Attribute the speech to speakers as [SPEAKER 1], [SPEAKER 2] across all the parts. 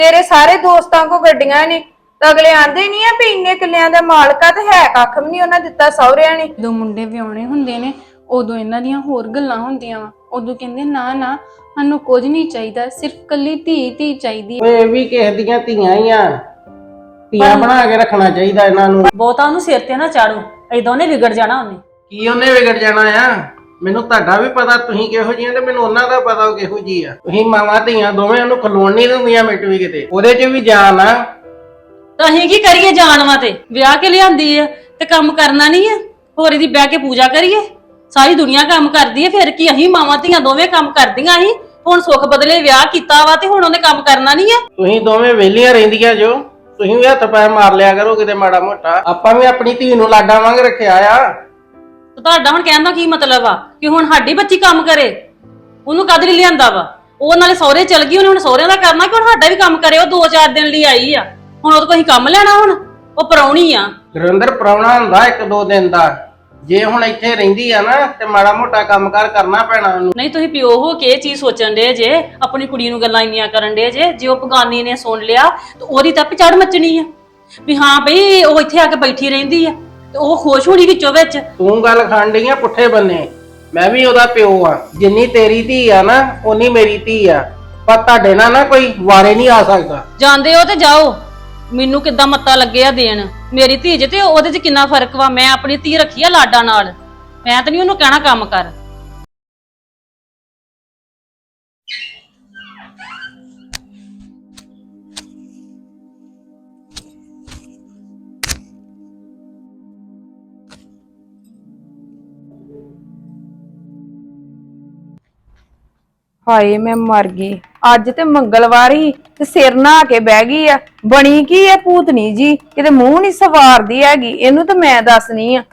[SPEAKER 1] तेरे सारे दोस्तां को गड्डियां ने तो अगले आंदे नहीं है भी इन्ने किलियां दा मालक ते है कख भी नहीं उन्हें दिता सहुरिया ने।
[SPEAKER 2] ਜਦੋਂ ਮੁੰਡੇ ਵਿਆਹੁਣੇ ਹੁੰਦੇ ਨੇ ਉਦੋਂ ਇਹਨਾਂ ਦੀਆਂ ਹੋਰ ਗੱਲਾਂ ਹੁੰਦੀਆਂ ਵਾ। ਉਦੋਂ ਕਹਿੰਦੇ ਨਾ ਨਾ ਸਾਨੂੰ ਕੁਝ ਨਹੀਂ ਚਾਹੀਦਾ, ਸਿਰਫ ਕੱਲੀ ਧੀ ਚਾਹੀਦੀ ਹੈ।
[SPEAKER 3] ਓਏ ਇਹ ਵੀ ਕਿਸੇ ਦੀਆਂ ਧੀਆਂ ਹੀ ਆ, ਧੀਆਂ ਬਣਾ ਕੇ ਰੱਖਣਾ ਚਾਹੀਦਾ ਇਹਨਾਂ ਨੂੰ।
[SPEAKER 4] ਬਹੁਤਾ ਉਹਨੂੰ ਸਿਰ ਤੇ ਨਾ ਚਾੜੋ, ਏਦਾਂ ਉਹਨੇ ਵਿਗੜ ਜਾਣਾ। ਉਹਨੇ
[SPEAKER 3] ਕੀ ਉਹਨੇ ਵਿਗੜ ਜਾਣਾ ਆ? ਮੈਨੂੰ ਤੁਹਾਡਾ ਵੀ ਪਤਾ ਤੁਸੀਂ ਕਿਹੋ ਜੀਆਂ ਤੇ ਮੈਨੂੰ ਉਹਨਾਂ ਦਾ ਪਤਾ ਉਹ ਕਿਹੋ ਜੀ ਆ। ਤੁਸੀਂ ਮਾਵਾਂ ਧੀਆਂ ਦੋਵੇਂ ਉਹਨੂੰ ਖਲੋਣ ਨਹੀਂ ਦਿੰਦੀਆਂ ਮਿੱਟ ਵੀ ਕਿਤੇ, ਉਹਦੇ 'ਚ ਵੀ ਜਾਨ ਆ।
[SPEAKER 4] ਤਾਂ ਅਸੀਂ ਕੀ ਕਰੀਏ? ਜਾਨਵਾ ਤੇ ਵਿਆਹ ਕੇ ਲਿਆਂਦੀ ਆ ਤੇ ਕੰਮ ਕਰਨਾ ਨਹੀਂ ਆ? ਹੋਰ ਇਹਦੀ ਬਹਿ ਕੇ ਪੂਜਾ ਕਰੀਏ? ਸਾਰੀ ਦੁਨੀਆ ਕੰਮ ਕਰਦੀ ਹੈ, ਫਿਰ ਕੀ ਅਸੀਂ ਮਾਵਾਂ ਧੀਆਂ ਦੋਵੇਂ ਕੰਮ ਕਰਦੀਆਂ ਸੀ? ਹੁਣ ਸੁੱਖ ਬਦਲੇ ਵਿਆਹ ਕੀਤਾ ਵਾ ਤੇ ਹੁਣ ਉਹਨੇ ਕੰਮ ਕਰਨਾ ਨਹੀਂ ਆ?
[SPEAKER 3] ਤੁਸੀਂ ਦੋਵੇਂ ਵਿਹਲੀਆਂ ਰਹਿੰਦੀਆਂ ਜੋ, ਤੁਸੀਂ ਵੀ ਹੱਥ ਪੈਰ ਮਾਰ ਲਿਆ ਕਰੋ ਕਿਤੇ ਮਾੜਾ ਮੋਟਾ। ਆਪਾਂ ਵੀ ਆਪਣੀ ਧੀ ਨੂੰ ਲਾਡਾ ਵਾਂਗ ਰੱਖਿਆ ਆ।
[SPEAKER 4] ਤੇ ਤੁਹਾਡਾ ਹੁਣ ਕਹਿਣ ਦਾ ਕੀ ਮਤਲਬ ਆ ਕਿ ਹੁਣ ਸਾਡੀ ਬੱਚੀ ਕੰਮ ਕਰੇ? ਉਹਨੂੰ ਕਦ ਲਈ ਲਿਆਂਦਾ ਵਾ? ਉਹ ਨਾਲੇ ਸਹੁਰੇ ਚਲ ਗਈ, ਉਹਨੇ ਹੁਣ ਸਹੁਰਿਆਂ ਦਾ ਕਰਨਾ ਕਿ ਹੁਣ ਸਾਡਾ ਵੀ ਕੰਮ ਕਰੇ? ਉਹ 2-4 ਦਿਨ ਲਈ ਆਈ ਆ, ਹੁਣ ਉਹਦੇ ਕੋਲ ਅਸੀਂ ਕੰਮ ਲੈਣਾ? ਹੁਣ ਉਹ ਪਰਾਉਣੀ ਆ।
[SPEAKER 3] ਗੁਰਿੰਦਰ ਪ੍ਰਾਹੁਣਾ ਹੁੰਦਾ 1-2 ਦਿਨ ਦਾ, ਜੇ ਹੁਣ ਇੱਥੇ ਰਹਿੰਦੀ ਆ ਨਾ ਤੇ ਮਾੜਾ ਮੋਟਾ ਕੰਮਕਾਰ ਕਰਨਾ ਪੈਣਾ ਉਹਨੂੰ।
[SPEAKER 4] ਨਹੀਂ ਤੁਸੀਂ ਪਿਓ ਹੋ ਕੇ ਇਹ ਚੀਜ਼ ਸੋਚਣ ਦੇ ਜੇ, ਆਪਣੀ ਕੁੜੀ ਨੂੰ ਗੱਲਾਂ ਇੰਨੀਆਂ ਕਰਨ ਦੇ ਜੇ ਉਹ ਬਗਾਨੀ ਨੇ ਸੁਣ ਲਿਆ ਤੇ ਉਹਦੀ ਤਾਂ ਚੜ ਮੱਚਣੀ ਆ ਵੀ ਹਾਂ ਬਈ ਉਹ ਇੱਥੇ ਆ ਕੇ ਬੈਠੀ ਰਹਿੰਦੀ ਆ ਤੇ ਉਹ ਖੁਸ਼ ਹੋਣੀ ਵਿੱਚੋਂ ਵਿੱਚ।
[SPEAKER 3] ਤੂੰ ਗੱਲ ਖਾਣ ਡਈ ਆ ਪੁੱਠੇ ਬੰਨੇ, ਮੈਂ ਵੀ ਉਹਦਾ ਪਿਓ ਆ। ਜਿੰਨੀ ਤੇਰੀ ਧੀ ਆ ਨਾ ਓਨੀ ਮੇਰੀ ਧੀ ਆ, ਪਰ ਤੁਹਾਡੇ ਨਾਲ ਨਾ ਕੋਈ ਵਾਰੇ ਨਹੀਂ ਆ ਸਕਦਾ।
[SPEAKER 4] ਜਾਂਦੇ ਹੋ ਤੇ ਜਾਓ, ਮੈਨੂੰ ਕਿੱਦਾਂ ਮੱਤਾ ਲੱਗੇ ਆ ਦੇਣ। ਮੇਰੀ ਧੀ ਜੇ ਤੇ ਉਹਦੇ 'ਚ ਕਿੰਨਾ ਫਰਕ ਵਾ। ਮੈਂ ਆਪਣੀ ਧੀ ਰੱਖੀ ਆ ਲਾਡਾ ਨਾਲ, ਮੈਂ ਤਾਂ ਨਹੀਂ ਉਹਨੂੰ ਕਹਿਣਾ ਕੰਮ ਕਰ।
[SPEAKER 1] हाय मैं मर गई। अज ते मंगलवार ही ते सिर नहा के बह गई आ। बनी की है भूतनी जी, किते मुंह नहीं सवारदी हैगी। इनू तो मैं दसनी आ।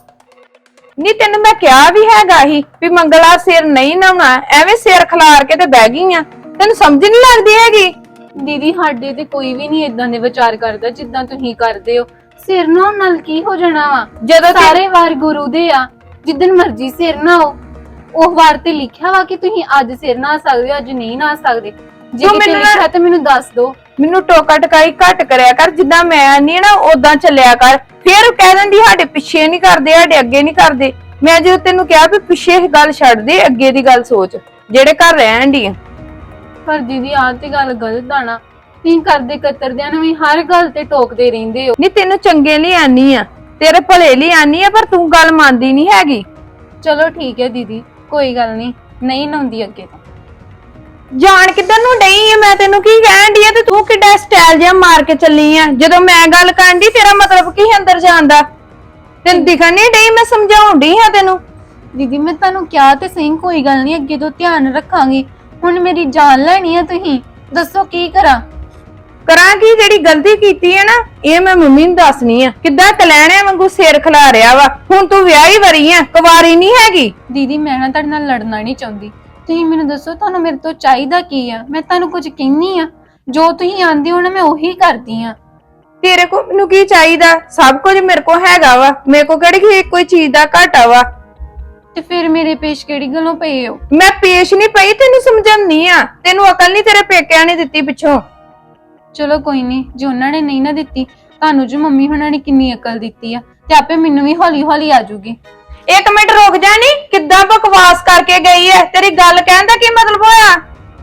[SPEAKER 1] नी तेन मैं क्या भी हैगा ही भी मंगला सिर नहीं नहाउणा, एवें सिर खलार के ते बह गई आ। तेन समझ नहीं लगदी हैगी?
[SPEAKER 2] ਦੀਦੀ ਸਾਡੇ ਤੇ ਕੋਈ ਵੀ ਨਹੀਂ ਇਦਾਂ ਦੇ ਵਿਚਾਰ ਕਰਦਾ ਜਿੱਦਾਂ ਤੁਸੀਂ ਕਰਦੇ ਹੋ। ਸਿਰ ਨਹਾਉਣ ਨਾਲ ਕੀ ਹੋ ਜਾਣਾ ਵਾ?
[SPEAKER 1] ਜਦੋਂ
[SPEAKER 2] ਸਾਰੇ ਵਾਰ ਗੁਰੂ ਦੇ ਆ, ਜਿੱਦਨ ਮਰਜ਼ੀ ਸਿਰ ਨਹਾਓ। ਉਹ ਵਾਰ ਤੇ ਲਿਖਿਆ ਵਾ ਕਿ ਤੁਸੀਂ ਅੱਜ ਸਿਰ ਨਹਾ ਸਕਦੇ ਹੋ, ਅੱਜ ਨਹੀਂ ਨਹਾ ਸਕਦੇ। ਜੇ ਕਿਤੇ ਲਿਖਿਆ ਤੇ ਮੈਨੂੰ ਦੱਸ ਦਿਓ।
[SPEAKER 1] ਮੈਨੂੰ ਟੋਕਾ ਟਕਾਈ ਘੱਟ ਕਰਿਆ ਕਰ, ਜਿੱਦਾਂ ਮੈਂ ਨਹੀਂ ਨਾ ਉਦਾਂ ਚੱਲਿਆ ਕਰ। ਫਿਰ ਕਹਿ ਦਿੰਦੀ ਸਾਡੇ ਪਿੱਛੇ ਨਹੀਂ ਕਰਦੇ, ਸਾਡੇ ਅੱਗੇ ਨਹੀਂ ਕਰਦੇ। ਮੈਂ ਜਦੋਂ ਤੈਨੂੰ ਕਿਹਾ ਵੀ ਪਿੱਛੇ ਇਹ ਗੱਲ ਛੱਡ ਦੇ, ਅੱਗੇ ਦੀ ਗੱਲ ਸੋਚ ਜਿਹੜੇ ਘਰ ਰਹਿਣ ਦੀ।
[SPEAKER 2] ਪਰ ਦੀਦੀ ਆਹ ਤੇ ਗੱਲ ਗਲਤ ਆ ਨਾ। ਤੁਸੀਂ ਕਰਦੇ ਕਤਰਦਿਆਂ ਨੂੰ ਵੀ ਹਰ ਗੱਲ ਤੇ ਟੋਕਦੇ ਰਹਿੰਦੇ ਹੋ।
[SPEAKER 1] ਨਹੀਂ ਤੈਨੂੰ ਚੰਗੇ ਲਈ ਆਨੀ ਆ, ਤੇਰੇ ਭਲੇ ਲਈ ਆਨੀ ਆ, ਪਰ ਤੂੰ ਗੱਲ ਮੰਨਦੀ ਨਹੀਂ ਹੈਗੀ।
[SPEAKER 2] ਚਲੋ ਠੀਕ ਹੈ ਦੀਦੀ, ਕੋਈ ਗੱਲ ਨਹੀਂ ਨਹਾਉਂਦੀ ਅੱਗੇ ਤੋਂ।
[SPEAKER 1] ਜਾਣ ਕਿੱਧਰ ਨੂੰ ਡਈ ਆ? ਮੈਂ ਤੈਨੂੰ ਕੀ ਕਹਿਣ ਦੀ ਆ ਤੇ ਤੂੰ ਕਿੱਡਾ ਸਟਾਈਲ ਜਿਹਾ ਮਾਰ ਕੇ ਚੱਲੀ ਆ। ਜਦੋਂ ਮੈਂ ਗੱਲ ਕਰਨ ਦੀ ਤੇਰਾ ਮਤਲਬ ਕੀ ਅੰਦਰ ਜਾਣ ਦਾ? ਤੈਨੂੰ ਦਿਖਣ ਨਹੀਂ ਡਈ? ਮੈਂ ਸਮਝਾਉਣ ਡਈ ਆ ਤੈਨੂੰ।
[SPEAKER 2] ਦੀਦੀ ਮੈਂ ਤੁਹਾਨੂੰ ਕਿਹਾ ਤੇ ਸਹੀ, ਕੋਈ ਗੱਲ ਨਹੀਂ, ਅੱਗੇ ਤੋਂ ਧਿਆਨ ਰੱਖਾਂਗੀ। ਹੁਣ ਮੇਰੀ ਜਾਨ ਲੈਣੀ ਆ, ਤੁਸੀਂ ਦੱਸੋ ਕੀ ਕਰਾਂ?
[SPEAKER 1] ਕਰਾਂ ਕੀ? ਜਿਹੜੀ ਗਲਤੀ ਕੀਤੀ ਹੈ ਨਾ ਇਹ ਮੈਂ ਮੰਮੀ ਨੂੰ ਦੱਸਣੀ ਆ। ਕਿੱਦਾਂ ਕਲੈਣਿਆਂ ਵਾਂਗੂ ਸਿਰ ਖਿਲਾ ਰਿਹਾ ਵਾ। ਹੁਣ ਤੂੰ ਵਿਆਹੀ ਵਰੀ ਆ, ਕੁਵਾਰੀ ਨਹੀਂ ਹੈਗੀ।
[SPEAKER 2] ਦੀਦੀ ਮੈਂ ਨਾ ਤੁਹਾਡੇ ਨਾਲ ਲੜਨਾ ਨਹੀਂ ਚਾਹੁੰਦੀ। ਤੁਸੀਂ ਮੈਨੂੰ ਦੱਸੋ ਤੁਹਾਨੂੰ ਮੇਰੇ ਤੋਂ ਚਾਹੀਦਾ ਕੀ ਆ? ਮੈਂ ਤੁਹਾਨੂੰ ਕੁਝ ਕਹਿੰਨੀ ਆ, ਜੋ ਤੁਸੀਂ ਆਂਦੇ ਹੋ ਨਾ ਮੈਂ ਉਹੀ ਕਰਦੀ ਆ।
[SPEAKER 1] ਤੇਰੇ ਕੋ ਮੈਨੂੰ ਕੀ ਚਾਹੀਦਾ? ਸਭ ਕੁਝ ਮੇਰੇ ਕੋ ਹੈਗਾ ਵਾ। ਮੇਰੇ ਕੋ ਕਿਹੜੀ ਕੋਈ ਚੀਜ਼ ਦਾ ਘਾਟਾ ਵਾ?
[SPEAKER 2] ਤੇ ਫਿਰ ਮੇਰੇ ਪੇਸ਼ ਕਿਹੜੀ ਗੱਲੋਂ ਪਏ ਹੋ?
[SPEAKER 1] ਮੈਂ ਪੇਸ਼ ਨਹੀਂ ਪਈ, ਤੈਨੂੰ ਸਮਝਾਉਣੀ ਆ। ਤੈਨੂੰ ਅਕਲ ਨਹੀਂ ਤੇਰੇ ਪੇਕਿਆਂ ਨੇ ਦਿੱਤੀ ਪਿੱਛੋਂ।
[SPEAKER 2] ਚਲੋ ਕੋਈ ਨਹੀਂ, ਜੇ ਉਹਨਾਂ ਨੇ ਨਹੀਂ ਨਾ ਦਿੱਤੀ, ਤੁਹਾਨੂੰ ਜੋ ਮੰਮੀ ਹੁਣਾਂ ਨੇ ਕਿੰਨੀ ਅਕਲ ਦਿੱਤੀ ਆ, ਤੇ ਆਪੇ ਮੈਨੂੰ ਵੀ ਹੌਲੀ ਹੌਲੀ ਆ ਜੂਗੀ।
[SPEAKER 1] ਇੱਕ ਮਿੰਟ ਰੁਕ ਜਾ। ਨੀ ਕਿੱਦਾਂ ਬਕਵਾਸ ਕਰਕੇ ਗਈ ਐ? ਤੇਰੀ ਗੱਲ ਕਹਿਣ ਦਾ ਕੀ ਮਤਲਬ ਹੋਇਆ?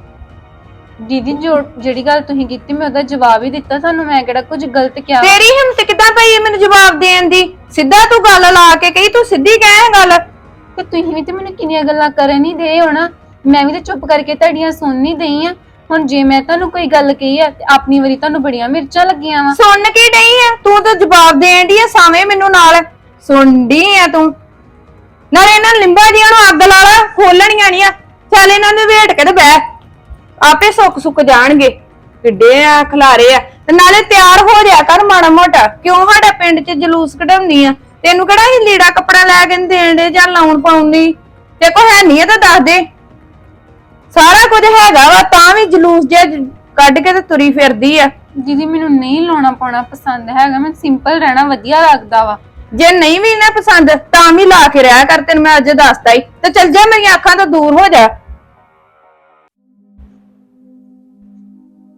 [SPEAKER 2] ਦੀਦੀ ਜਿਹੜੀ ਗੱਲ ਤੁਸੀਂ ਕੀਤੀ ਮੈਂ ਉਹਦਾ ਜਵਾਬ ਹੀ ਦਿੱਤਾ ਤੁਹਾਨੂੰ। ਮੈਂ ਕਿਹੜਾ ਕੁਝ ਗਲਤ ਕਿਹਾ?
[SPEAKER 1] ਤੇਰੀ ਹਿੰਮਤ ਕਿੱਦਾਂ ਪਈ ਐ ਮੈਨੂੰ ਜਵਾਬ ਦੇਣ ਦੀ? ਸਿੱਧਾ ਤੂੰ ਗੱਲ ਲਾ ਕੇ ਕਹੀ, ਤੂੰ ਸਿੱਧੀ ਕਹਿ ਗੱਲ।
[SPEAKER 2] ਕਿ ਤੁਸੀਂ ਵੀ ਤੇ ਮੈਨੂੰ ਕਿੰਨੀਆਂ ਗੱਲਾਂ ਕਰਨ ਹੀ ਦੇ ਹੋਣਾ, ਮੈਂ ਵੀ ਤੇ ਚੁੱਪ ਕਰਕੇ ਤੁਹਾਡੀਆਂ ਸੁਣ ਨਹੀਂ ਦਈ ਆ। ਹੁਣ ਜੇ ਮੈਂ ਤੁਹਾਨੂੰ ਕੋਈ ਗੱਲ ਕਹੀ ਆ ਤੇ ਆਪਣੀ ਵਾਰੀ ਤੁਹਾਨੂੰ ਬੜੀਆਂ ਮਿਰਚਾਂ ਲੱਗੀਆਂ ਵਾ।
[SPEAKER 1] ਸੁਣ ਕੀ ਡਈ ਆ ਤੂੰ? ਤਾਂ ਜਵਾਬ ਦੇਣ ਦੀ ਆ ਸਾਵੇਂ ਮੈਨੂੰ ਨਾਲ ਸੁਣਦੀ ਆ ਤੂੰ। ਨਾਲੇ ਇਹਨਾਂ ਲਿੰਬਾ ਦੀਆਂ ਨੂੰ ਅੱਗ ਲਾ ਲਾ, ਖੋਲਣੀਆਂ ਨਹੀਂ ਆ। ਚੱਲ ਇਹਨਾਂ ਨੂੰ ਵੇਟ ਕੇ ਤੇ ਬਹਿ, ਆਪੇ ਸੁੱਕ ਜਾਣਗੇ। ਕਿੱਡੇ ਆ ਖਲਾਰੇ ਆ। ਤੇ ਨਾਲੇ ਤਿਆਰ ਹੋ ਜਾ ਕਰ ਮਾੜਾ ਮੋਟਾ। ਕਿਉਂ ਸਾਡਾ ਪਿੰਡ 'ਚ ਜਲੂਸ ਕਢਾਉਣੀ ਆ? ਤੈਨੂੰ ਕਿਹੜਾ ਹੀ ਲੀੜਾ ਕੱਪੜਾ ਲੈ ਕੇ ਦੇਣ ਦੇ ਜਾਂ ਲਾਉਣ ਪਾਉਣ ਦੀ? ਤੇ ਕੋ ਹੈ ਨਹੀਂ ਤਾਂ ਦੱਸ ਦੇ। ਸਾਰਾ ਕੁਝ ਹੈਗਾ ਵਾ ਤਾਂ ਵੀ ਜਲੂਸ ਜਿਹਾ ਕੱਢ ਕੇ ਤੇ ਤੁਰੀ ਫਿਰਦੀ ਆ।
[SPEAKER 2] ਦੀਦੀ ਮੈਨੂੰ ਨਹੀਂ ਲਾਉਣਾ ਪਾਉਣਾ ਪਸੰਦ ਹੈਗਾ, ਮੈਨੂੰ ਸਿੰਪਲ ਰਹਿਣਾ ਵਧੀਆ ਲੱਗਦਾ ਵਾ।
[SPEAKER 1] ਜੇ ਨਹੀਂ ਵੀ ਨਾ ਪਸੰਦ ਤਾਂ ਵੀ ਲਾ ਕੇ ਰਿਹਾ ਕਰ। ਤੈਨੂੰ ਮੈਂ ਅੱਜ ਦੱਸਦਾ ਹੀ। ਤੇ ਚੱਲ ਜਾ, ਮੇਰੀਆਂ ਅੱਖਾਂ ਤੋਂ ਦੂਰ ਹੋ ਜਾ।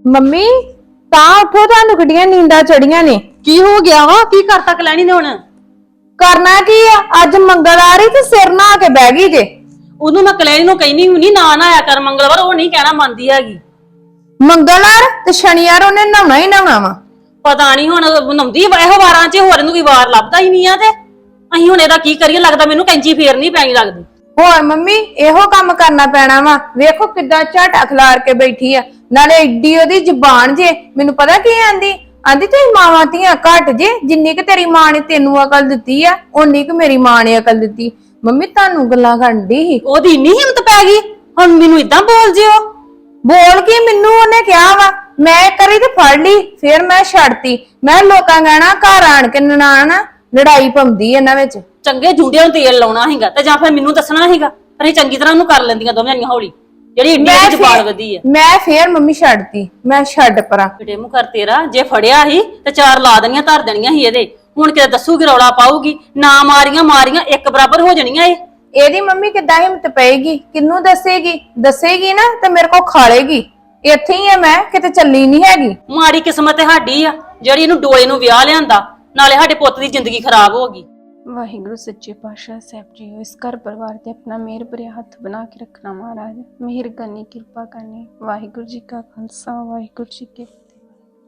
[SPEAKER 1] ਮੰਮੀ ਤਾਂ ਉੱਠੋ, ਤੁਹਾਨੂੰ ਕਿੱਡੀਆਂ ਨੀਂਦਾਂ ਚੜੀਆਂ ਨੇ।
[SPEAKER 4] ਕੀ ਹੋ ਗਿਆ ਵਾ? ਕੀ ਕਰਤਾ ਕਲੈਣੀ ਨੇ ਹੁਣ?
[SPEAKER 1] ਕਰਨਾ ਕੀ ਆ, ਅੱਜ ਮੰਗਲਵਾਰ ਹੀ ਤੇ ਸਿਰ ਨਹਾ ਕੇ ਬਹਿ ਗਈ ਜੇ।
[SPEAKER 4] ਉਹਨੂੰ ਮੈਂ ਕਲੈਣੀ ਨੂੰ ਕਹਿਨੀ ਹੁੰਨੀ ਨਾ ਆਇਆ ਕਰ ਮੰਗਲਵਾਰ, ਉਹ ਨਹੀਂ ਕਹਿਣਾ ਮੰਨਦੀ ਹੈਗੀ।
[SPEAKER 1] ਮੰਗਲਵਾਰ ਤੇ ਸ਼ਨੀਵਾਰ ਉਹਨੇ ਨਹਾਉਣਾ ਹੀ ਨਹਾਉਣਾ ਵਾ।
[SPEAKER 4] ਪਤਾ ਨਹੀਂ ਹੁਣ ਨਹਾਉਂਦੀ ਇਹੋ ਵਾਰਾਂ 'ਚ, ਹੋਰ ਇਹਨੂੰ ਕੋਈ ਵਾਰ ਲੱਭਦਾ ਹੀ ਨਹੀਂ ਆ। ਤੇ ਅਸੀਂ ਹੁਣ ਇਹਦਾ ਕੀ ਕਰੀਏ? ਲੱਗਦਾ ਮੈਨੂੰ ਕੈਂਚੀ ਫੇਰਨੀ ਪੈਣੀ ਲੱਗਦੀ।
[SPEAKER 1] ਹੋਰ ਮੰਮੀ ਇਹੋ ਕੰਮ ਕਰਨਾ ਪੈਣਾ ਵਾ। ਵੇਖੋ ਕਿੱਦਾਂ ਝਾਟਾ ਖਿਲਾਰ ਕੇ ਬੈਠੀ ਆ, ਨਾਲੇ ਏਡੀ ਉਹਦੀ ਜ਼ੁਬਾਨ ਜੇ। ਮੈਨੂੰ ਪਤਾ ਕੀ ਆਂਦੀ ਤੁਸੀਂ ਮਾਵਾਂ ਧੀਆਂ ਘੱਟ ਜੇ, ਜਿੰਨੀ ਕਿ ਤੇਰੀ ਮਾਂ ਨੇ ਤੈਨੂੰ ਅਕਲ ਦਿੱਤੀ ਆ ਓਨੀ ਕਿ ਮੇਰੀ ਮਾਂ ਨੇ ਅਕਲ ਦਿੱਤੀ। ਮੰਮੀ ਤੁਹਾਨੂੰ ਗੱਲਾਂ ਕਰਦੀ ਸੀ।
[SPEAKER 4] ਉਹਦੀ ਇੰਨੀ ਹਿੰਮਤ ਪੈ ਗਈ ਹੁਣ ਮੈਨੂੰ ਇਦਾਂ ਬੋਲ ਜਿਓ।
[SPEAKER 1] ਬੋਲ ਕੇ ਮੈਨੂੰ ਉਹਨੇ ਕਿਹਾ ਵਾ, ਮੈਂ ਕਰੀ ਤੇ ਫੜ ਲਈ, ਫਿਰ ਮੈਂ ਛੱਡਤੀ। ਮੈਂ ਲੋਕਾਂ ਕਹਿਣਾ ਘਰ ਆਣ ਕੇ ਨਨਾਣ ਲੜਾਈ ਪਾਉਂਦੀ ਇਹਨਾਂ ਵਿੱਚ।
[SPEAKER 4] ਚੰਗੇ ਜੁੰਡਿਆਂ ਨੂੰ ਤੇਲ ਲਾਉਣਾ ਹੈਗਾ ਤੇ ਜਾਂ ਫਿਰ ਮੈਨੂੰ ਦੱਸਣਾ ਹੈਗਾ। ਪਰ ਇਹ ਚੰਗੀ ਤਰ੍ਹਾਂ ਉਹਨੂੰ ਕਰ ਲੈਂਦੀਆਂ ਦੋਵੇਂ ਜਣੀਆਂ ਹੌਲੀ, ਜਿਹੜੀ ਇੰਨੀ ਜ਼ਬਾਨ ਵਧੀ ਆ।
[SPEAKER 1] ਮੈਂ ਫੇਰ ਮੰਮੀ ਛੱਡਤੀ, ਮੈਂ ਛੱਡ ਪਰਾਂ।
[SPEAKER 4] ਬੇਟੇ ਮੂੰਹ ਕਰ ਤੇਰਾ, ਜੇ ਫੜਿਆ ਸੀ ਤੇ 4 ਲਾ ਦੇਣੀਆਂ, ਧਰ ਦੇਣੀਆਂ ਸੀ ਇਹਦੇ। ਹੁਣ ਕਿਤੇ ਦੱਸੂਗੀ ਰੌਲਾ ਪਾਊਗੀ ਨਾ, ਮਾਰੀਆਂ ਇੱਕ ਬਰਾਬਰ ਹੋ ਜਾਣੀਆਂ ਇਹ।
[SPEAKER 1] ਇਹਦੀ ਮੰਮੀ ਕਿੱਦਾਂ ਹਿੰਮਤ ਪਏਗੀ? ਕਿੰਨੂੰ ਦੱਸੇਗੀ ਨਾ ਤੇ ਮੇਰੇ ਕੋ ਖਾਲੇਗੀ। ਇੱਥੇ ਹੀ ਆ ਮੈਂ, ਕਿਤੇ ਚੱਲੀ ਨਹੀਂ ਹੈਗੀ।
[SPEAKER 4] ਮਾੜੀ ਕਿਸਮਤ ਸਾਡੀ ਆ ਜਿਹੜੀ ਇਹਨੂੰ ਡੋਲੇ ਨੂੰ ਵਿਆਹ ਲਿਆਂਦਾ, ਨਾਲੇ ਸਾਡੇ ਪੁੱਤ ਦੀ ਜ਼ਿੰਦਗੀ ਖਰਾਬ ਹੋ ਗਈ।
[SPEAKER 2] ਵਾਹਿਗੁਰੂ ਸੱਚੇ ਪਾਤਸ਼ਾਹ ਸਾਹਿਬ ਜੀ, ਇਸ ਘਰ ਪਰਿਵਾਰ ਤੇ ਆਪਣਾ ਮਿਹਰ ਭਰਿਆ ਹੱਥ ਬਣਾ ਕੇ ਰੱਖਣਾ ਮਹਾਰਾਜ। ਮਿਹਰ ਕਰਨੀ, ਕਿਰਪਾ ਕਰਨੀ। ਵਾਹਿਗੁਰੂ ਜੀ ਕਾ ਖਾਲਸਾ, ਵਾਹਿਗੁਰੂ ਜੀ ਕੀ ਫਤਿਹ।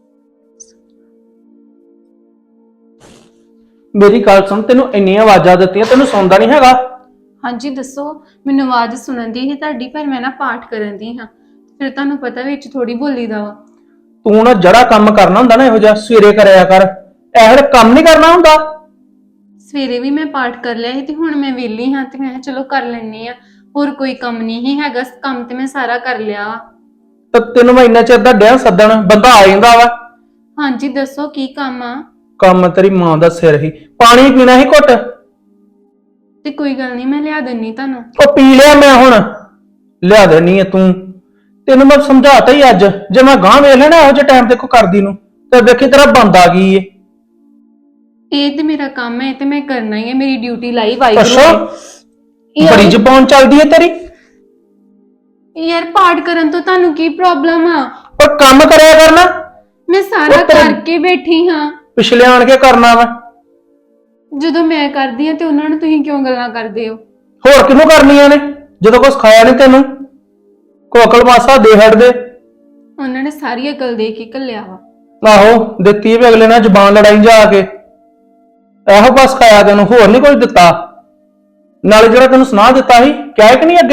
[SPEAKER 5] ਮੇਰੀ ਗੱਲ ਸੁਣ, ਤੈਨੂੰ ਇੰਨੀਆਂ ਆਵਾਜ਼ਾਂ ਦਿੱਤੀਆਂ, ਤੈਨੂੰ ਸੁਣਦਾ ਨਹੀਂ ਹੈਗਾ?
[SPEAKER 2] ਹਾਂਜੀ ਦੱਸੋ। ਮੈਨੂੰ ਆਵਾਜ਼ ਸੁਣਨ ਦੀ ਸੀ ਤੁਹਾਡੀ, ਪਰ ਮੈਂ ਨਾ ਪਾਠ ਕਰਨ ਦੀ ਹਾਂ। ਫਿਰ ਤੁਹਾਨੂੰ ਪਤਾ ਵਿੱਚ ਥੋੜੀ ਬੋਲੀ ਦਾ ਵਾ।
[SPEAKER 5] ਤੂੰ ਨਾ ਜਿਹੜਾ ਕੰਮ ਕਰਨਾ ਹੁੰਦਾ ਨਾ ਇਹੋ ਜਿਹਾ ਸਵੇਰੇ ਕਰਿਆ ਕਰ, ਇਹੋ ਜਿਹਾ ਕੰਮ ਨਹੀਂ ਕਰਨਾ ਹੁੰਦਾ।
[SPEAKER 2] ਸਵੇਰੇ ਵੀ ਮੈਂ ਪਾਠ ਕਰ ਲਿਆ ਸੀ ਤੇ ਹੁਣ ਮੈਂ ਵਿਹਲੀ ਹਾਂ ਤੇ ਮੈਂ ਕਿਹਾ ਚਲੋ ਕਰ ਲੈਣੀ ਆ। ਹੋਰ ਕੋਈ ਕੰਮ ਨਹੀਂ ਹੀ ਹੈਗਾ, ਕੰਮ ਤੇ ਮੈਂ ਸਾਰਾ ਕਰ ਲਿਆ।
[SPEAKER 5] ਤੇ ਤੈਨੂੰ ਮੈਂ ਇੰਨਾ ਚਿਰ ਦਾ ਡਿਆ ਸੱਦਣ, ਬੰਦਾ ਆ ਜਾਂਦਾ ਵਾ।
[SPEAKER 2] ਹਾਂਜੀ ਦੱਸੋ ਕੀ ਕੰਮ ਆ?
[SPEAKER 5] ਕੰਮ ਤੇਰੀ ਮਾਂ ਦਾ ਸਿਰ ਹੀ। ਪਾਣੀ ਪੀਣਾ ਹੀ ਘੁੱਟ?
[SPEAKER 2] ਤੇ ਕੋਈ ਗੱਲ ਨਹੀਂ, ਮੈਂ ਲਿਆ ਦਿੰਨੀ ਤੁਹਾਨੂੰ।
[SPEAKER 5] ਉਹ ਪੀ ਲਿਆ ਮੈਂ, ਹੁਣ ਲਿਆ ਦੇਣੀ ਆ ਤੂੰ। ਤੈਨੂੰ ਮੈਂ ਸਮਝਾਤਾ ਹੀ ਅੱਜ, ਜੇ ਮੈਂ ਗਾਂ ਵੇਖ ਲੈਣਾ ਇਹੋ ਜਿਹੇ ਟਾਈਮ ਤੇ ਕੋ ਕਰਦੀ ਨੂੰ ਤੇ ਵੇਖੀ ਤੇਰਾ ਬੰਦ ਆ ਗਈ ਏ।
[SPEAKER 2] ਇਹ ਤੇ ਮੇਰਾ ਕੰਮ ਹੈ ਤੇ ਮੈਂ ਕਰਨਾ ਹੀ ਹੈ, ਮੇਰੀ ਡਿਊਟੀ ਲਾਈ ਵਾਹਿਗੁਰੂ
[SPEAKER 5] ਅੱਛਾ,
[SPEAKER 2] ਨੇ।
[SPEAKER 5] ਬੜੀ ਜ਼ਬਾਨ ਚੱਲਦੀ ਏ ਤੇਰੀ।
[SPEAKER 2] ਯਾਰ ਪਾਠ ਕਰਨ ਤੋਂ ਤੁਹਾਨੂੰ ਕੀ ਪ੍ਰੋਬਲਮ ਆ?
[SPEAKER 5] ਪਰ ਕੰਮ ਕਰਿਆ ਕਰਨਾ।
[SPEAKER 2] ਮੈਂ ਸਾਰਾ
[SPEAKER 5] ਉਹ ਤੇਰੇ-
[SPEAKER 2] ਕਰਕੇ ਬੈਠੀ ਹਾਂ।
[SPEAKER 5] ਪਿਛਲੇ ਆਣ ਕੇ ਕਰਨਾ ਵਾ।
[SPEAKER 2] ਜਦੋਂ ਮੈਂ ਕਰਦੀ ਹਾਂ ਤੇ ਉਹਨਾਂ ਨੂੰ ਤੁਸੀਂ ਕਿਉਂ ਗੱਲਾਂ ਕਰਦੇ ਹੋ?
[SPEAKER 5] ਹੋਰ ਕਿਹਨੂੰ ਕਰਨੀਆਂ ਨੇ ਜਦੋਂ ਕੁਛ ਖਾਇਆ ਨਹੀਂ ਤੈਨੂੰ? ਕੋਕਲ ਮਾਸਾ ਦੇ ਹਟ ਦੇ।
[SPEAKER 2] ਉਹਨਾਂ ਨੇ ਸਾਰੀ ਅਕਲ ਦੇ ਕੇ ਘੱਲਿਆ ਵਾ।
[SPEAKER 5] ਆਹੋ ਦਿੱਤੀ ਵੀ ਅਗਲੇ ਨਾਲ ਜ਼ਬਾਨ ਲੜਾਈ ਜਾ ਕੇ। ਇਹੋ ਬਸ ਖਾਇਆ ਤੈਨੂੰ, ਹੋਰ ਨਹੀਂ ਕੁਝ ਦਿੱਤਾ। ਨਾਲੇ ਜਿਹੜਾ ਤੈਨੂੰ ਸੁਣਾ ਦਿੱਤਾ ਸੀ, ਕਿਹਾ ਕਿ ਨਹੀਂ ਅੱਗੇ?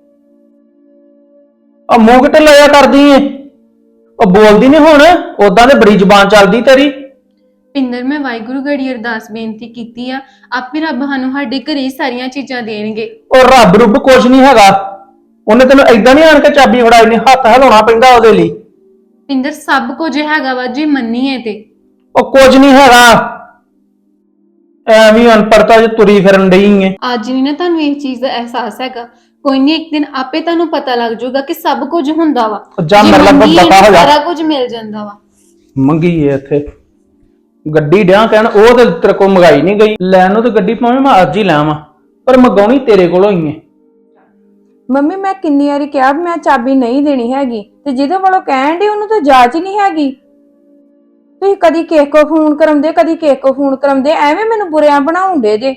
[SPEAKER 5] ਆ ਮੂੰਹ ਕਿਤੇ ਲਾਇਆ ਕਰਦੀ ਏ? ਉਹ ਬੋਲਦੀ ਨਹੀਂ ਹੁਣ, ਉਦਾਂ ਤੇ ਬੜੀ ਜ਼ਬਾਨ ਚੱਲਦੀ ਤੇਰੀ।
[SPEAKER 2] ਪਿੰਦਰ ਮੈਂ ਵਾਹਿਗੁਰੂ ਗੜੀ ਅਰਦਾਸ ਬੇਨਤੀ ਕੀਤੀ ਆ, ਆਪੇ ਰੱਬ ਸਾਨੂੰ ਸਾਡੇ ਘਰੇ ਹੀ ਸਾਰੀਆਂ ਚੀਜ਼ਾਂ ਦੇਣਗੇ।
[SPEAKER 5] ਉਹ ਰੱਬ ਰੁੱਬ ਕੁਝ ਨਹੀਂ ਹੈਗਾ। ਉਹਨੇ ਤੈਨੂੰ ਏਦਾਂ ਨਹੀਂ ਆਣ ਕੇ ਚਾਬੀ ਫੜਾਈ, ਨਹੀਂ ਹੱਥ ਹਿਲਾਉਣਾ ਪੈਂਦਾ ਉਹਦੇ ਲਈ।
[SPEAKER 2] ਪਿੰਦਰ ਸਭ ਕੁਝ ਹੈਗਾ ਵਾ ਜੇ ਮੰਨੀਏ ਤੇ।
[SPEAKER 5] ਉਹ ਕੁਝ ਨਹੀਂ ਹੈਗਾ, ਐਵੇਂ ਅਨਪੜਤਾ ਚ ਤੁਰੀ ਫਿਰਨ ਡਈ ਏ।
[SPEAKER 2] ਅੱਜ ਨਹੀਂ ਨਾ ਤੁਹਾਨੂੰ ਇਹ ਚੀਜ਼ ਦਾ ਅਹਿਸਾਸ ਹੈਗਾ, ਕੋਈ ਨਹੀਂ ਇੱਕ ਦਿਨ ਆਪੇ ਤੁਹਾਨੂੰ ਪਤਾ ਲੱਗ ਜਾਊਗਾ ਕਿ ਸਭ ਕੁਝ ਹੁੰਦਾ ਵਾ।
[SPEAKER 5] ਜਾ
[SPEAKER 2] ਜੇ
[SPEAKER 5] ਮੇਰੇ ਨਾਲ
[SPEAKER 2] ਮੰਨੀਏ
[SPEAKER 5] ਦਫ਼ਾ ਹੋ
[SPEAKER 2] ਤਾਂ
[SPEAKER 5] ਜਾ।
[SPEAKER 2] ਸਾਰਾ ਕੁਝ ਮਿਲ ਜਾਂਦਾ ਵਾ।
[SPEAKER 5] ਮੰਗੀ ਏ ਇੱਥੇ ਗੱਡੀ ਡਿਆ ਕਹਿਣ, ਉਹ ਤੇ ਤੇਰੇ ਕੋਲ ਮੰਗਾਈ ਨਹੀਂ ਗਈ। ਲੈਣ ਨੂੰ ਤੇ ਗੱਡੀ ਭਾਵੇਂ ਮੈਂ ਅੱਜ ਹੀ ਲਾਵਾਂ, ਪਰ ਮੰਗਾਉਣੀ ਤੇਰੇ ਕੋਲੋਂ ਹੀ ਏ।
[SPEAKER 1] ਮੰਮੀ ਮੈਂ ਕਿੰਨੀ ਵਾਰੀ ਕਿਹਾ ਵੀ ਮੈਂ ਚਾਬੀ ਨਹੀਂ ਦੇਣੀ ਹੈਗੀ, ਤੇ ਜਿਹਦੇ ਵੱਲੋਂ ਕਹਿਣ ਦੀ ਉਹਨੂੰ ਤਾਂ ਜਾਚ ਹੀ ਨਹੀਂ ਹੈਗੀ। ਤੁਸੀਂ ਕਦੀ ਕਿਸੇ ਕੋ ਫੋਨ ਕਰਾਉਂਦੇ, ਕਦੀ ਕਿਸੇ ਕੋ ਫੋਨ ਕਰਾਉਂਦੇ, ਐਵੇਂ ਮੈਨੂੰ ਬੁਰਿਆਂ ਬਣਾਉਂਦੇ ਜੇ।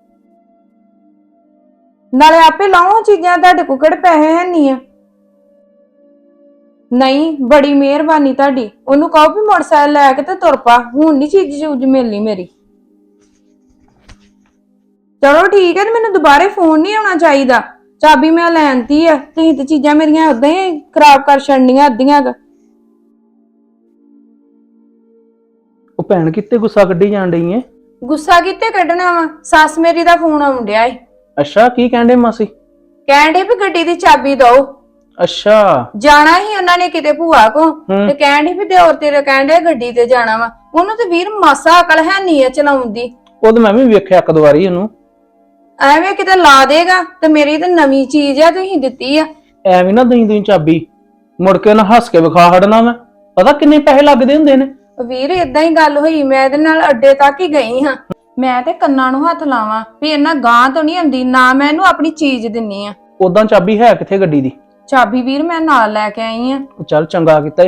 [SPEAKER 1] ਨਾਲੇ ਆਪੇ ਲਾਓ ਚੀਜ਼ਾਂ, ਤੁਹਾਡੇ ਕੋਲ ਕਿਹੜੇ ਪੈਸੇ ਹੈ ਨਹੀਂ ਆ। ਨਹੀਂ ਬੜੀ ਮਿਹਰਬਾਨੀ ਤੁਹਾਡੀ। ਉਹਨੂੰ ਕਹੋ ਵੀ ਮੋਟਰਸਾਈਕਲ ਲੈ ਕੇ ਤੇ ਤੁਰ ਪਾ, ਹੁਣ ਨਹੀਂ ਚੀਜ਼ ਚੂਜ ਮਿਲਣੀ ਮੇਰੀ। ਚਲੋ ਠੀਕ ਹੈ, ਤੇ ਮੈਨੂੰ ਦੁਬਾਰੇ ਫੋਨ ਨਹੀਂ ਆਉਣਾ ਚਾਹੀਦਾ। ਚਾਬੀ ਮੈਂ ਲੈਣਤੀ ਆ, ਤੁਸੀਂ ਤੇ ਚੀਜ਼ਾਂ ਮੇਰੀਆਂ ਉਦਾਂ ਹੀ ਖਰਾਬ ਕਰ ਛੱਡਣੀਆਂ ਅੱਧੀਆਂ ਕ।
[SPEAKER 5] ਉਹ ਭੈਣ ਕਿਤੇ ਗੁੱਸਾ ਕੱਢੀ ਜਾਣ ਡਈ ਏ?
[SPEAKER 1] ਗੁੱਸਾ ਕਿਤੇ ਕੱਢਣਾ ਵਾ? ਸੱਸ ਮੇਰੀ ਦਾ ਫੋਨ ਆਉਣ ਡਿਆ ਏ।
[SPEAKER 5] ਅੱਛਾ, ਕੀ ਕਹਿੰਦੇ ਮਾਸੀ?
[SPEAKER 1] ਕਹਿਣ ਡੇ ਵੀ ਗੱਡੀ ਦੀ ਚਾਬੀ ਦਓ।
[SPEAKER 5] ਅੱਛਾ,
[SPEAKER 1] ਜਾਣਾ ਹੀ ਉਹਨਾਂ ਨੇ ਕਿਤੇ ਭੂਆ ਕੋ, ਤੇ ਕਹਿਣ ਡੇ ਵੀ ਦਿਓਰ ਤੇਰੇ ਕਹਿਣ ਡੇ ਗੱਡੀ ਤੇ ਜਾਣਾ ਵਾ। ਉਹਨੂੰ ਤੇ ਵੀਰ ਮਾਸਾ ਅਕਲ ਹੈ ਨਹੀਂ ਆ ਚਲਾਉਣ ਦੀ।
[SPEAKER 5] ਉਹ ਤਾਂ ਮੈਂ ਵੀ ਵੇਖਿਆ ਇੱਕ ਦੋ ਵਾਰੀ ਉਹਨੂੰ।
[SPEAKER 1] ਐਵੇਂ ਕਿਤੇ ਲਾ ਦੇਗਾ, ਤੇ ਮੇਰੀ ਤਾਂ ਨਵੀਂ ਚੀਜ਼ ਆ ਤੁਸੀਂ ਦਿੱਤੀ ਆ।
[SPEAKER 5] ਐਵੇਂ ਨਾ ਦਈ ਚਾਬੀ, ਮੁੜ ਕੇ ਨਾ ਹੱਸ ਕੇ ਵਿਖਾ ਹਟਣਾ। ਮੈਂ ਪਤਾ ਕਿੰਨੇ ਪੈਸੇ ਲੱਗਦੇ ਹੁੰਦੇ ਨੇ।
[SPEAKER 1] ਵੀਰ ਏਦਾਂ ਹੀ ਗੱਲ ਹੋਈ, ਮੈਂ ਇਹਦੇ ਨਾਲ ਅੱਡੇ ਤੱਕ ਹੀ ਗਈ ਹਾਂ। ਮੈਂ ਤੇ ਕੰਨਾਂ ਨੂੰ ਹੱਥ ਲਾਵਾਂ ਵੀ ਇਹਨਾਂ ਗਾਂ ਤੋਂ ਨਹੀਂ ਆਉਂਦੀ, ਨਾ ਮੈਂ ਇਹਨੂੰ ਆਪਣੀ ਚੀਜ਼ ਦਿੰਨੀ ਆ।
[SPEAKER 5] ਉਦਾਂ ਚਾਬੀ ਹੈ ਕਿੱਥੇ ਗੱਡੀ ਦੀ?
[SPEAKER 1] ਚਾਬੀ ਵੀਰ ਮੈਂ ਨਾਲ ਲੈ ਕੇ ਆਈ ਆ।
[SPEAKER 5] ਚੱਲ ਚੰਗਾ ਕੀਤਾ ਹੀ ਫਿਰ।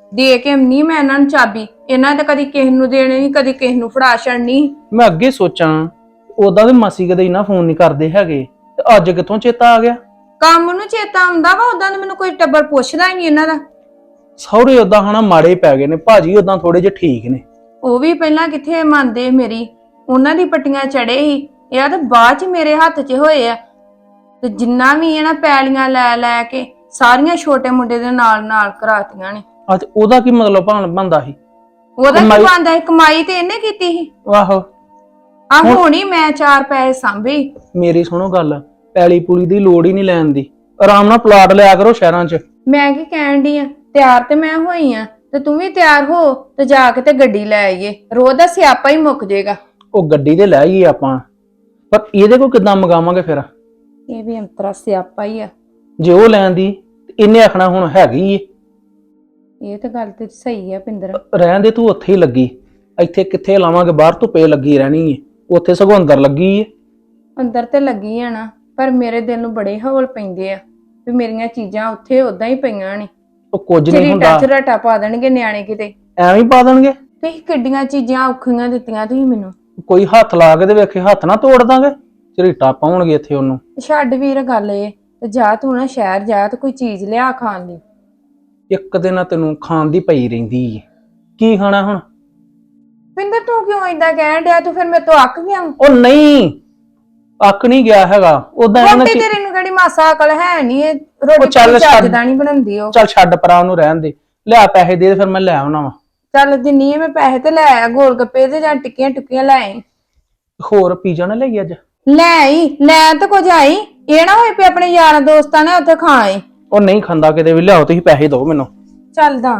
[SPEAKER 1] ਦੇ ਕੇ ਨਹੀਂ ਮੈਂ ਇਹਨਾਂ ਨੂੰ ਚਾਬੀ, ਇਹਨਾਂ ਤਾਂ ਕਦੀ ਕਿਸੇ ਨੂੰ ਦੇਣੀ ਨਹੀਂ, ਕਦੀ ਕਿਸੇ ਨੂੰ ਫੜਾ ਛੱਡਣੀ।
[SPEAKER 5] ਮੈਂ ਅੱਗੇ ਸੋਚਾਂ ਉਦਾਂ ਤੇ ਮਾਸੀ ਕਦੇ ਇੰਨਾ ਫੋਨ ਨਹੀਂ ਕਰਦੇ ਹੈਗੇ, ਤੇ ਅੱਜ ਕਿੱਥੋਂ ਚੇਤਾ ਆ ਗਿਆ?
[SPEAKER 1] ਕੰਮ ਨੂੰ ਚੇਤਾ ਆਉਂਦਾ ਵਾ, ਉਦਾਂ ਤਾਂ ਮੈਨੂੰ ਕੋਈ ਟੱਬਰ ਪੁੱਛਦਾ ਹੀ ਨਹੀਂ ਇਹਨਾਂ ਦਾ।
[SPEAKER 5] ਸਹੁਰੇ ਉਦਾਂ ਹਨਾ ਮਾੜੇ ਪੈ ਗਏ ਨੇ, ਭਾਜੀ ਉਦਾਂ ਥੋੜੇ ਜਿਹੇ ਠੀਕ ਨੇ।
[SPEAKER 1] ਉਹ ਵੀ ਪਹਿਲਾਂ ਕਿੱਥੇ ਮੰਨਦੇ ਮੇਰੀ, ਉਹਨਾਂ ਦੀ ਪੱਟੀਆਂ ਚੜੇ ਸੀ, ਇਹ ਤਾਂ ਬਾਅਦ ਚ ਮੇਰੇ ਹੱਥ 'ਚ ਹੋਏ ਆ। ਤੇ ਜਿੰਨਾ ਵੀ ਇਹਨਾਂ ਪੈਲੀਆਂ ਲੈ ਲੈ ਕੇ ਸਾਰੀਆਂ ਛੋਟੇ ਮੁੰਡੇ ਦੇ ਨਾਲ ਨਾਲ ਕਰਾਤੀਆਂ ਨੇ।
[SPEAKER 5] ਅੱਜ ਉਹਦਾ ਕੀ ਮਤਲਬ ਬਣਦਾ ਸੀ?
[SPEAKER 1] ਉਹਦਾ ਕੀ ਬਣਦਾ ਸੀ? ਕਮਾਈ ਤੇ ਇਹਨੇ ਕੀਤੀ ਸੀ।
[SPEAKER 5] ਆਹੋ
[SPEAKER 1] ਆ ਹੁਣੀ ਮੈਂ 4 ਪੈਸੇ ਸਾਂਭੇ।
[SPEAKER 5] ਮੇਰੀ ਸੁਣੋ ਗੱਲ, ਪੈਲੀ ਪੁਲੀ ਦੀ ਲੋੜ ਹੀ ਨਹੀਂ ਲੈਣ ਦੀ, ਆਰਾਮ ਨਾਲ ਪਲਾਟ ਲਿਆ ਕਰੋ ਸ਼ਹਿਰਾਂ 'ਚ।
[SPEAKER 1] ਮੈਂ ਕੀ ਕਹਿਣ ਡਈ ਆ, ਤਿਆਰ ਤੇ ਮੈਂ ਹੋਈ ਆ, ਤੇ ਤੂੰ ਵੀ ਤਿਆਰ ਹੋ ਤੇ ਜਾ ਕੇ ਤੇ ਗੱਡੀ ਲੈ ਆਈਏ, ਰੋਜ਼ ਦਾ ਸਿਆਪਾ ਹੀ ਮੁੱਕ ਜਾਏਗਾ।
[SPEAKER 5] ਉਹ ਗੱਡੀ ਤੇ ਲੈ ਆਈਏ ਆਪਾਂ, ਪਰ ਇਹਦੇ ਕੋਲ ਕਿੱਦਾਂ ਮੰਗਾਵਾਂਗੇ ਫਿਰ?
[SPEAKER 1] ਇਹ ਵੀ ਅੰਤਰਾ ਸਿਆਪਾ ਹੀ ਆ।
[SPEAKER 5] ਜੇ ਉਹ ਲੈਣ ਦੀ ਤੇ ਇਹਨੇ ਆਖਣਾ ਹੁਣ ਹੈਗੀ ਏ।
[SPEAKER 1] ਇਹ ਤਾਂ ਗੱਲ ਤੇ ਸਹੀ ਆ ਪਿੰਦਰ।
[SPEAKER 5] ਰਹਿਣ ਦੇ, ਤੂੰ ਉੱਥੇ ਹੀ ਲੱਗੀ, ਇੱਥੇ ਕਿੱਥੇ ਲਾਵਾਂਗੇ? ਬਾਹਰ ਧੁੱਪੇ ਲੱਗੀ ਰਹਿਣੀ ਏ, ਉੱਥੇ ਸਗੋਂ ਅੰਦਰ ਲੱਗੀ ਏ।
[SPEAKER 1] ਅੰਦਰ ਤੇ ਲੱਗੀ ਆ ਨਾ, ਪਰ ਮੇਰੇ ਦਿਲ ਨੂੰ ਬੜੇ ਹੌਲ ਪੈਂਦੇ ਆ ਵੀ ਮੇਰੀਆਂ ਚੀਜ਼ਾਂ ਉੱਥੇ ਉਦਾਂ ਹੀ ਪਈਆਂ ਨੇ।
[SPEAKER 5] ਉਹ ਕੁਝ ਨਹੀਂ ਹੁੰਦਾ,
[SPEAKER 1] ਝਰਾਟਾ ਪਾ ਦੇਣਗੇ ਨਿਆਣੇ ਕਿਤੇ।
[SPEAKER 5] ਐਵੇਂ ਹੀ ਪਾ ਦੇਣਗੇ।
[SPEAKER 1] ਤੁਸੀਂ ਕਿੱਡੀਆਂ ਚੀਜ਼ਾਂ ਔਖੀਆਂ ਦਿੱਤੀਆਂ ਤੁਸੀਂ ਮੈਨੂੰ।
[SPEAKER 5] ਕੋਈ ਹੱਥ ਲਾ ਕੇ ਤੇ ਵੇਖੇ, ਹੱਥ ਨਾ ਤੋੜ ਦਾਂਗੇ, ਝਰੀਟਾ ਪਾਉਣਗੇ ਇੱਥੇ ਉਹਨੂੰ।
[SPEAKER 1] ਛੱਡ ਵੀਰ ਗੱਲ ਇਹ, ਤੇ ਜਾ ਤੂੰ ਨਾ ਸ਼ਹਿਰ ਜਾ ਤੇ ਕੋਈ ਚੀਜ਼ ਲਿਆ ਖਾਣ ਲਈ।
[SPEAKER 5] ਇੱਕ ਦਿਨ ਤੈਨੂੰ ਖਾਣ ਦੀ ਪਈ ਰਹਿੰਦੀ ਏ, ਕੀ ਖਾਣਾ ਹੁਣ?
[SPEAKER 1] ਪਿੰਦਰ ਤੂੰ ਕਿਉਂ ਏਦਾਂ ਕਹਿਣ ਡਿਆ? ਤੂੰ ਫਿਰ ਮੇਰੇ ਤੋਂ ਅੱਕ ਗਿਆ।
[SPEAKER 5] ਉਹ ਨਹੀਂ ਅੱਕ ਨਹੀਂ ਗਿਆ ਹੈਗਾ, ਉਦਾਂ
[SPEAKER 1] ਰੋਟੀ ਤੇਰੇ ਨੂੰ ਕਿਹੜੀ ਮਾਸਾ ਅਕਲ ਹੈ ਨਹੀਂ, ਇਹ ਰੋਟੀ ਚੱਜਦਾ ਨਹੀਂ ਬਣਾਉਂਦੀ ਉਹ।
[SPEAKER 5] ਚੱਲ ਛੱਡ ਪਰਾਂ, ਉਹਨੂੰ ਰਹਿਣ ਦੇ, ਲਿਆ ਪੈਸੇ ਦੇ ਫਿਰ ਮੈਂ ਲੈ ਆਉਣਾ ਵਾ।
[SPEAKER 1] ਚੱਲ ਦਿੰਨੀ ਆ ਮੈਂ ਪੈਸੇ, ਤੇ ਲੈ ਆ ਗੋਲ ਗੱਪੇ ਤੇ ਜਾਂ ਟਿੱਕੀਆਂ ਟੁੱਕੀਆਂ ਲੈ ਆਈ।
[SPEAKER 5] ਹੋਰ ਪੀਜ਼ਾ ਨਾ ਲਈ ਅੱਜ?
[SPEAKER 1] ਲੈ ਆਈ, ਲੈ ਤਾਂ ਕੁਝ ਆਈ, ਇਹ ਨਾ ਹੋਏ ਪਈ ਆਪਣੇ ਯਾਰਾਂ ਦੋਸਤਾਂ ਨੇ ਉੱਥੇ ਖਾ ਆਏ।
[SPEAKER 5] ਉਹ ਨਹੀਂ ਖਾਂਦਾ ਕਿਤੇ ਵੀ, ਲਿਆਓ ਤੁਸੀਂ ਪੈਸੇ ਦਿਓ ਮੈਨੂੰ।
[SPEAKER 1] ਚੱਲਦਾ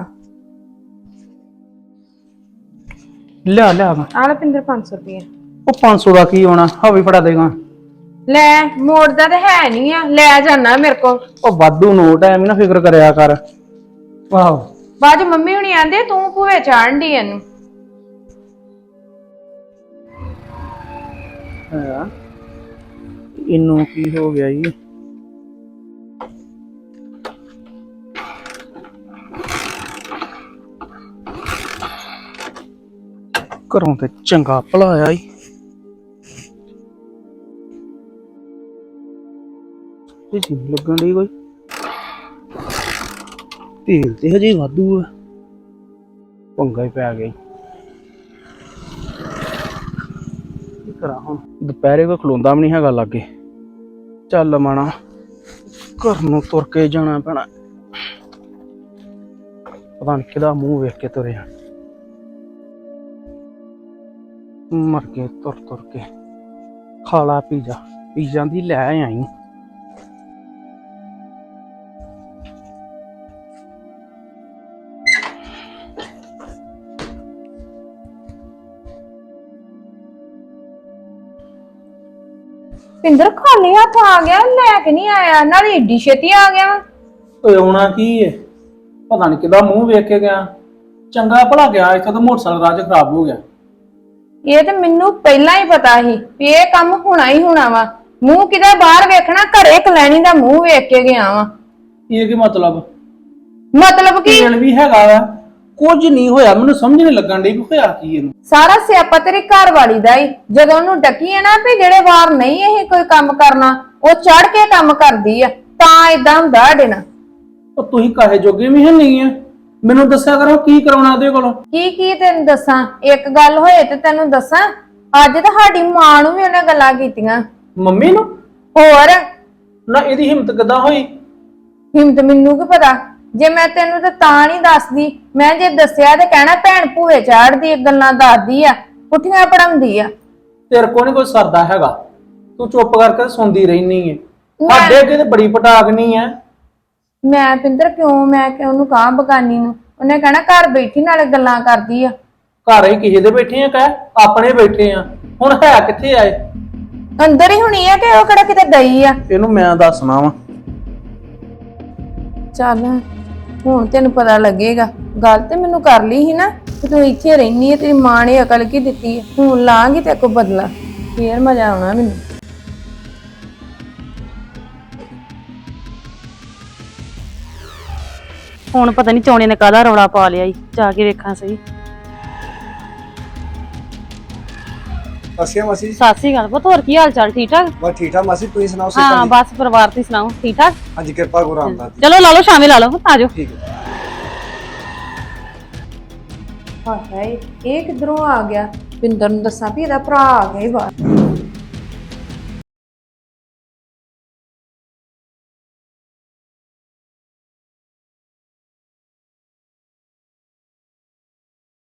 [SPEAKER 5] ਲਿਆ ਲਿਆ
[SPEAKER 1] ਆ ਲੈ ਪਿੰਦਰ 500 ਰੁਪਏ।
[SPEAKER 5] ਉਹ 500 ਦਾ ਕੀ ਹੋਣਾ, ਹਾਵੀ ਫੜਾ ਦੇਗਾ।
[SPEAKER 1] ਲੈ ਮੋੜਦਾ ਤੇ ਹੈ ਨਹੀਂ ਆ, ਲੈ ਜਾਣਾ ਮੇਰੇ ਕੋਲ।
[SPEAKER 5] ਉਹ ਵਾਧੂ ਨੋਟ ਐ, ਐਵੇਂ ਨਾ ਫਿਕਰ ਕਰਿਆ ਕਰ। ਵਾਹ
[SPEAKER 1] ਬਾਅਦ ਮੰਮੀ ਹੁਣੀ ਆਂਦੇ ਤੂੰ ਭੂਵੇ ਚਾੜਨ ਦੀ ਇਹਨੂੰ।
[SPEAKER 5] ਇਹਨੂੰ ਕੀ ਹੋ ਗਿਆ ਜੀ? ਘਰੋਂ ਤੇ ਚੰਗਾ ਭਲਾ ਆਇਆ ਈ, ਇਹ ਜੀ ਲੱਗਣ ਦੀ ਕੋਈ ਤੇਲ ਤੇ ਹਜੇ ਵਾਧੂ ਆ, ਪੰਗਾ ਹੀ ਪੈ ਗਿਆ। ਕੀ ਕਰਾਂ ਹੁਣ, ਦੁਪਹਿਰੇ ਕੋਈ ਖਲੋਂਦਾ ਵੀ ਨਹੀਂ ਹੈਗਾ ਲਾਗੇ। ਚੱਲ ਮਾਣਾ ਘਰ ਨੂੰ ਤੁਰ ਕੇ ਜਾਣਾ ਪੈਣਾ, ਪਤਾ ਨਹੀਂ ਕਿਹਦਾ ਮੂੰਹ ਵੇਖ ਕੇ ਤੁਰਿਆ। ਮਰ ਕੇ ਤੁਰ ਤੁਰ ਕੇ ਖਾਲਾ ਪੀਜ਼ਾ, ਪੀਜ਼ਾ ਦੀ ਲੈ ਆਈ।
[SPEAKER 1] ਪਿੰਦਰ ਖਾਲੀ ਹੱਥ ਆ ਗਿਆ, ਲੈ ਕੇ ਨਹੀਂ ਆਇਆ, ਨਾਲੇ ਏਡੀ ਛੇਤੀ ਆ ਗਿਆ ਵਾ।
[SPEAKER 5] ਓਏ ਆਉਣਾ ਕੀ ਏ, ਪਤਾ ਨਹੀਂ ਕਿਹਦਾ ਮੂੰਹ ਵੇਖ ਕੇ ਗਿਆ। ਚੰਗਾ ਭਲਾ ਗਿਆ, ਇੱਥੇ ਤਾਂ ਮੋਟਰਸਾਈਕਲ ਰਾਜ ਖਰਾਬ ਹੋ ਗਿਆ।
[SPEAKER 1] ਇਹ ਤਾਂ ਮੈਨੂੰ ਪਹਿਲਾਂ ਹੀ ਪਤਾ ਸੀ ਵੀ ਇਹ ਕੰਮ ਹੋਣਾ ਹੀ ਹੋਣਾ ਵਾ। ਮੂੰਹ ਕਿਦਾ ਬਾਹਰ ਵੇਖਣਾ, ਘਰੇ ਕਲੈਣੀ ਦਾ ਮੂੰਹ ਵੇਖ ਕੇ ਗਿਆ ਵਾ।
[SPEAKER 5] ਇਹ ਕੀ ਮਤਲਬ?
[SPEAKER 1] ਮਤਲਬ ਕੀ?
[SPEAKER 5] ਤੇਲ ਵੀ ਹੈਗਾ ਵਾ, ਕੁਝ ਨਹੀਂ ਹੋਇਆ, ਮੈਨੂੰ ਸਮਝ ਨਹੀਂ ਲੱਗਣ ਡਈ ਵੀ ਹੋਇਆ ਕੀ ਇਹਨੂੰ।
[SPEAKER 1] ਸਾਰਾ ਸਿਆਪਾ ਤੇਰੀ ਘਰ ਵਾਲੀ ਦਾ ਹੀ। ਜਦੋਂ ਉਹਨੂੰ ਡੱਕੀ ਹੈ ਨਾ ਵੀ ਜਿਹੜੇ ਵਾਰ ਨਹੀਂ ਇਹ ਕੋਈ ਕੰਮ ਕਰਨਾ, ਉਹ ਚੜ ਕੇ ਕੰਮ ਕਰਦੀ ਆ, ਤਾਂ ਏਦਾਂ ਹੁੰਦਾ ਸਾਡੇ ਨਾਲ।
[SPEAKER 5] ਉਹ ਤੁਸੀਂ ਕਾਹੇ ਜੋਗੇ ਵੀ ਹੈ ਨਹੀਂ ਆ, ਮੈਨੂੰ ਦੱਸਿਆ ਕਰੋ ਕੀ ਕਰਾਉਣਾ ਉਹਦੇ ਕੋਲੋਂ।
[SPEAKER 1] ਕੀ ਤੈਨੂੰ ਦੱਸਾਂ? ਇੱਕ ਗੱਲ ਹੋਏ ਤੇ ਤੈਨੂੰ ਦੱਸਾਂ, ਅੱਜ ਤਾਂ ਸਾਡੀ ਮਾਂ ਨੂੰ ਵੀ ਉਹਨੇ ਗੱਲਾਂ ਕੀਤੀਆਂ।
[SPEAKER 5] ਮੰਮੀ ਨੂੰ?
[SPEAKER 1] ਹੋਰ
[SPEAKER 5] ਨਾ ਇਹਦੀ ਹਿੰਮਤ ਕਿੱਦਾਂ ਹੋਈ?
[SPEAKER 1] ਹਿੰਮਤ ਮੈਨੂੰ ਕੀ ਪਤਾ, ਜੇ ਮੈਂ ਤੈਨੂੰ ਤਾਂ ਨਹੀਂ ਦੱਸਦੀ। ਮੈਂ ਜੇ ਦੱਸਿਆ ਤੇ ਕਹਿਣਾ ਭੈਣ ਭੂਏ ਚਾੜਦੀ, ਗੱਲਾਂ ਦੱਸਦੀ ਆ, ਪੁੱਠੀਆਂ ਪੜਾਉਂਦੀ ਆ।
[SPEAKER 5] ਤੇਰੇ ਕੋਲ ਨਹੀਂ ਕੋਈ ਸਰਦਾ ਹੈਗਾ, ਤੂੰ ਚੁੱਪ ਕਰਕੇ ਸੁਣਦੀ ਰਹਿਨੀ ਏ। ਸਾਡੇ ਅੱਗੇ ਤੇ ਬੜੀ ਪਟਾਕਨੀ ਐ।
[SPEAKER 1] ਮੈਂ ਪਿੰਦਰ ਮੈਂ ਕਿਉਂ ਉਹਨੂੰ ਕਹਾਂ ਬਗਾਨੀ ਨੂੰ? ਉਹਨੇ ਕਹਿਣਾ ਘਰ ਬੈਠੀ ਨਾਲੇ ਗੱਲਾਂ ਕਰਦੀ ਆ।
[SPEAKER 5] ਘਰ ਹੀ ਕਿਸੇ ਦੇ ਬੈਠੇ ਆ, ਕਹਿ ਆਪਣੇ ਬੈਠੇ ਆ। ਹੁਣ ਹੈ ਕਿੱਥੇ ਆਏ?
[SPEAKER 1] ਅੰਦਰ ਹੀ ਹੋਣੀ ਆ ਕਿ ਉਹ ਕਿਹੜਾ ਕਿਤੇ ਗਈ ਆ?
[SPEAKER 5] ਇਹਨੂੰ ਮੈਂ ਦੱਸਣਾ ਵਾ।
[SPEAKER 1] ਚੱਲ ਹੁਣ ਤੈਨੂੰ ਪਤਾ ਲੱਗੇਗਾ। ਗੱਲ ਤੇ ਮੈਨੂੰ ਕਰ ਲਈ ਸੀ ਨਾ ਕਿ ਤੂੰ ਇੱਥੇ ਰਹਿਨੀ ਹੈ, ਤੇਰੀ ਮਾਂ ਨੇ ਅਕਲ ਕੀ ਦਿੱਤੀ ਹੈ। ਹੁਣ ਲਾਂਗੀ ਤੇ ਕੋ ਬਦਲਾ, ਫੇਰ ਮਜ਼ਾ ਆਉਣਾ ਮੈਨੂੰ।
[SPEAKER 4] ਹੁਣ ਪਤਾ ਨਹੀਂ ਚੌਣੇ ਨੇ ਕਾਹਦਾ ਰੌਲਾ ਪਾ ਲਿਆ ਈ, ਜਾ ਕੇ ਵੇਖਾਂ ਸਹੀ।
[SPEAKER 6] ਸਸਿਆ ਮਾਸੀ
[SPEAKER 4] ਸਤਿ ਸ੍ਰੀ ਅਕਾਲ ਪੁੱਤ, ਹੋਰ ਕੀ ਹਾਲ ਚਾਲ? ਠੀਕ ਠਾਕ?
[SPEAKER 6] ਬਸ ਠੀਕ ਠਾਕ ਮਾਸੀ, ਤੁਸੀਂ ਸੁਣਾਓ?
[SPEAKER 4] ਹਾਂ ਬਸ ਪਰਿਵਾਰ ਤੁਸੀਂ ਸੁਣਾਓ, ਠੀਕ ਠਾਕ?
[SPEAKER 6] ਹਾਂਜੀ ਕਿਰਪਾ ਕਰੋ ਰਾਮਦਾਸ ਜੀ।
[SPEAKER 4] ਚਲੋ ਲਾ ਲਓ, ਸ਼ਾਮੇ ਲਾ ਲਓ, ਆ ਜਾਓ।
[SPEAKER 6] ਠੀਕ ਹੈ।
[SPEAKER 1] ਹਾਏ ਇਹ ਕਿੱਧਰੋਂ ਆ ਗਿਆ? ਪਿੰਦਰ ਨੂੰ ਦੱਸਾਂ ਵੀ ਇਹਦਾ ਭਰਾ ਆ ਗਿਆ ਹੀ ਬਾਹਰ।